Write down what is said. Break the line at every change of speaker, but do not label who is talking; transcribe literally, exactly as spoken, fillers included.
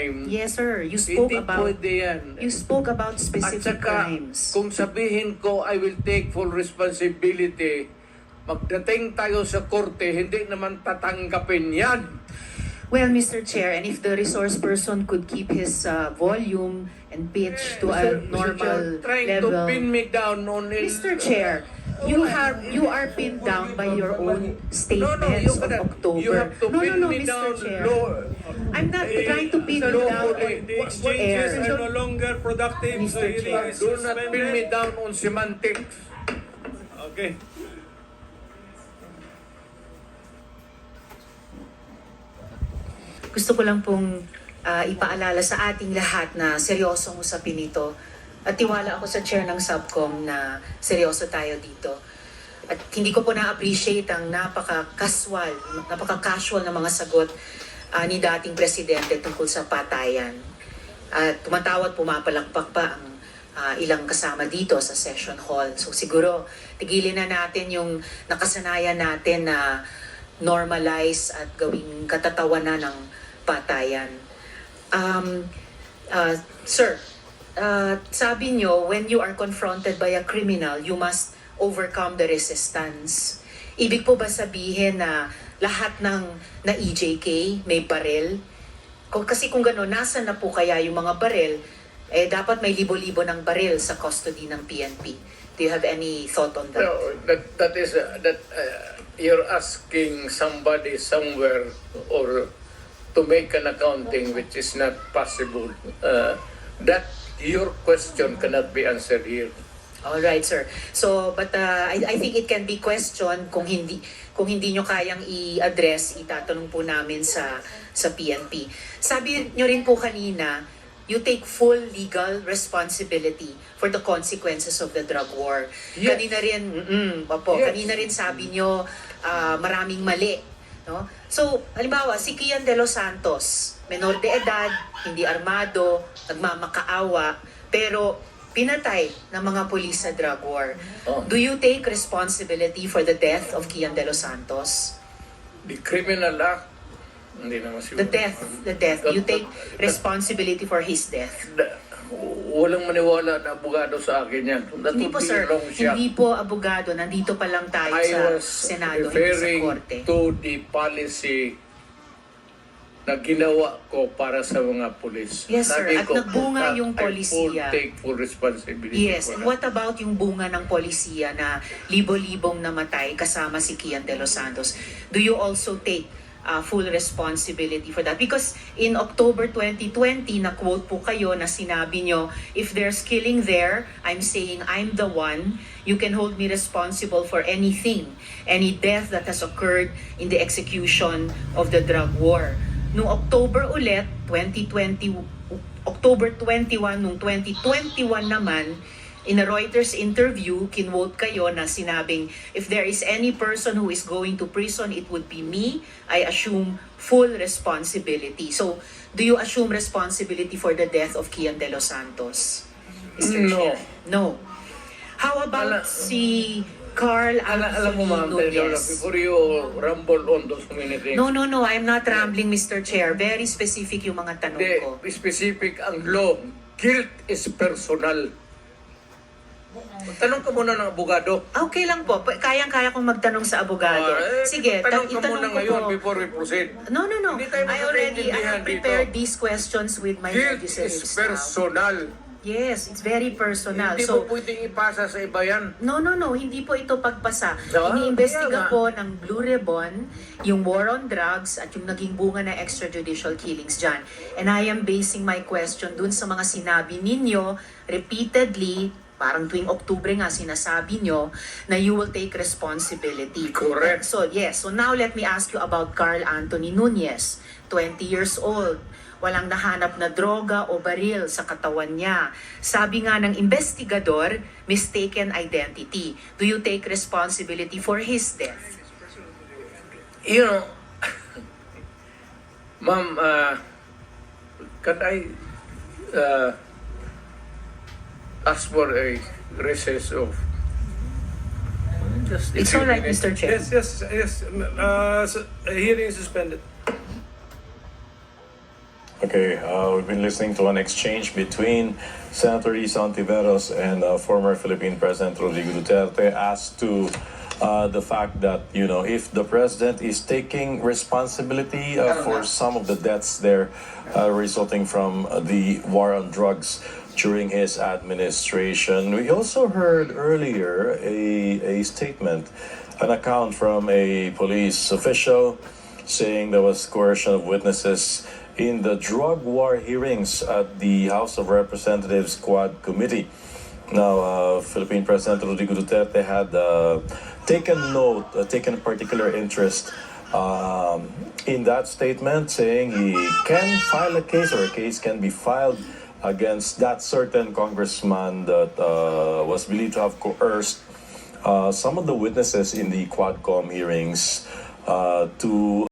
crime.
Yes, sir. You spoke
Hindi
about
pwede yan.
you spoke about
At
specific
saka,
crimes.
kung sabihin ko, I will take full responsibility, magdating tayo sa korte, hindi naman tatanggapin yan.
Well, Mister Chair, and if the resource person could keep his uh, volume and pitch to a
Mister
normal
Chair, trying
level.
to pin me down on it.
Mister Chair, you have you are pinned down by your own
No, no,
statements
you
of
cannot.
October.
You have to
no,
pin
no, no,
me
Mister
down.
Chair.
Law-
I'm not
Eh,
trying to pin
sa
you
law
down
po,
on
eh,
The
air.
exchanges are no longer productive.
Mister
The hearing
Chair.
is
Do not pin me
suspended.
down on semantics.
Okay.
Gusto ko lang pong ah, ipaalala sa ating lahat na seryosong usapin ito. At tiwala ako sa chair ng subcom na seryoso tayo dito. At hindi ko po na-appreciate ang napaka-casual, napaka-casual na mga sagot ah, ni dating presidente tungkol sa patayan. At tumatawa at pumapalakpak pa ang ah, ilang kasama dito sa session hall. So siguro, tigilin na natin yung nakasanayan natin na normalize at gawing katatawanan ng patayan. Um, uh, sir, uh, sabi nyo, when you are confronted by a criminal, you must overcome the resistance. Ibig po ba sabihin na lahat ng na E J K may baril? Kung, kasi kung gano'n, nasa na po kaya yung mga baril? Eh, dapat may libo-libo ng baril sa custody ng P N P. Do you have any thought on that?
No, that that is uh, that uh, you're asking somebody somewhere or to make an accounting which is not possible. Uh, that your question cannot be answered here.
All right, sir. So, but uh, I, I think it can be questioned kung hindi kung hindi nyo kayang i-address, itatanong po namin sa sa P N P. Sabi nyo rin po kanina, you take full legal responsibility for the consequences of the drug war.
Yes.
Kanina rin, mm, opo,
Yes.
kanina rin sabi nyo ah, maraming mali. No? So, halimbawa, si Kian De Los Santos, menor de edad, hindi armado, nagmamakaawa, pero pinatay ng mga pulis sa drug war.
Oh.
Do you take responsibility for the death of Kian De Los Santos?
The criminal act, hindi naman siguro.
The death, the death. You take responsibility for his death.
Da- Walang maniwala na abogado sa akin yan. That
Hindi
would
po,
be
sir.
wrong siya.
Hindi po abogado. Nandito pa lang tayo
I
sa
was
Senado, hindi sa
referring
Korte.
to the policy na ginawa ko para sa mga pulis.
Yes, sir.
Sabi
At
ko,
nagbunga
that
yung
I full
polisiya.
take full responsibility
Yes,
for
and
that.
what about yung bunga ng polisiya na libo-libong namatay kasama si Kian De Los Santos? Do you also take uh, full responsibility for that? Because in October twenty twenty, na-quote po kayo na sinabi nyo, if there's killing there, I'm saying I'm the one. You can hold me responsible for anything, any death that has occurred in the execution of the drug war. Noong October ulit, twenty twenty, October twenty-first, noong twenty twenty-one naman, in a Reuters interview, kinwote kayo na sinabing, if there is any person who is going to prison, it would be me. I assume full responsibility. So, do you assume responsibility for the death of Kian De Los Santos? Mister
No.
Chair? No. How about
Ala-
si Carl
Ala, alam mo, ma'am,
Anthony
Taylor,
Nunez?
before you rumble on those many things,
No, no, no. I'm not rambling, Mister Chair. Very specific yung mga tanong ko.
the specific ang law, guilt is personal. Tanong ka muna ng abogado.
Okay lang po. Pa- Kayang-kaya kong magtanong sa abogado.
Ah, eh,
Sige,
tanong
ta-
ka
itanong
muna
ko
ngayon
po.
before we proceed.
No, no, no.
Hindi tayo
I already, I have
magkakaintindihan
prepared
dito.
these questions with my
Guilt
legislative
is
staff.
personal.
Yes, it's very personal.
Hindi
So,
mo pwedeng ipasa sa iba yan.
no, no, no. Hindi po ito pagpasa.
Ah,
Iniimbestiga
kaya nga.
po ng Blue Ribbon yung war on drugs at yung naging bunga na extrajudicial killings dyan. And I am basing my question dun sa mga sinabi ninyo repeatedly, parang tuwing Oktubre nga sinasabi nyo, na you will take responsibility.
Correct.
So, yes. So now let me ask you about Carl Anthony Nunez, twenty years old. Walang nahanap na droga o baril sa katawan niya. Sabi nga ng investigador, mistaken identity. Do you take responsibility for his death?
You know, ma'am, uh, can I uh, ask for a recess of just a
It's
few
all right,
minutes?
Mister Chair.
Yes, yes, yes. Uh, s- hearing is suspended.
Ito
Okay, uh, we've been listening to an exchange between Senator Risa Ontiveros and uh, former Philippine President Rodrigo Duterte as to uh, the fact that, you know, if the president is taking responsibility uh, for some of the deaths there uh, resulting from uh, the war on drugs during his administration. We also heard earlier a, a statement, an account from a police official saying there was coercion of witnesses in the drug war hearings at the House of Representatives Quad Committee. Now, uh, Philippine President Rodrigo Duterte had uh, taken note, uh, taken particular interest um, in that statement, saying he can file a case or a case can be filed against that certain congressman that uh, was believed to have coerced uh, some of the witnesses in the Quadcom hearings uh, to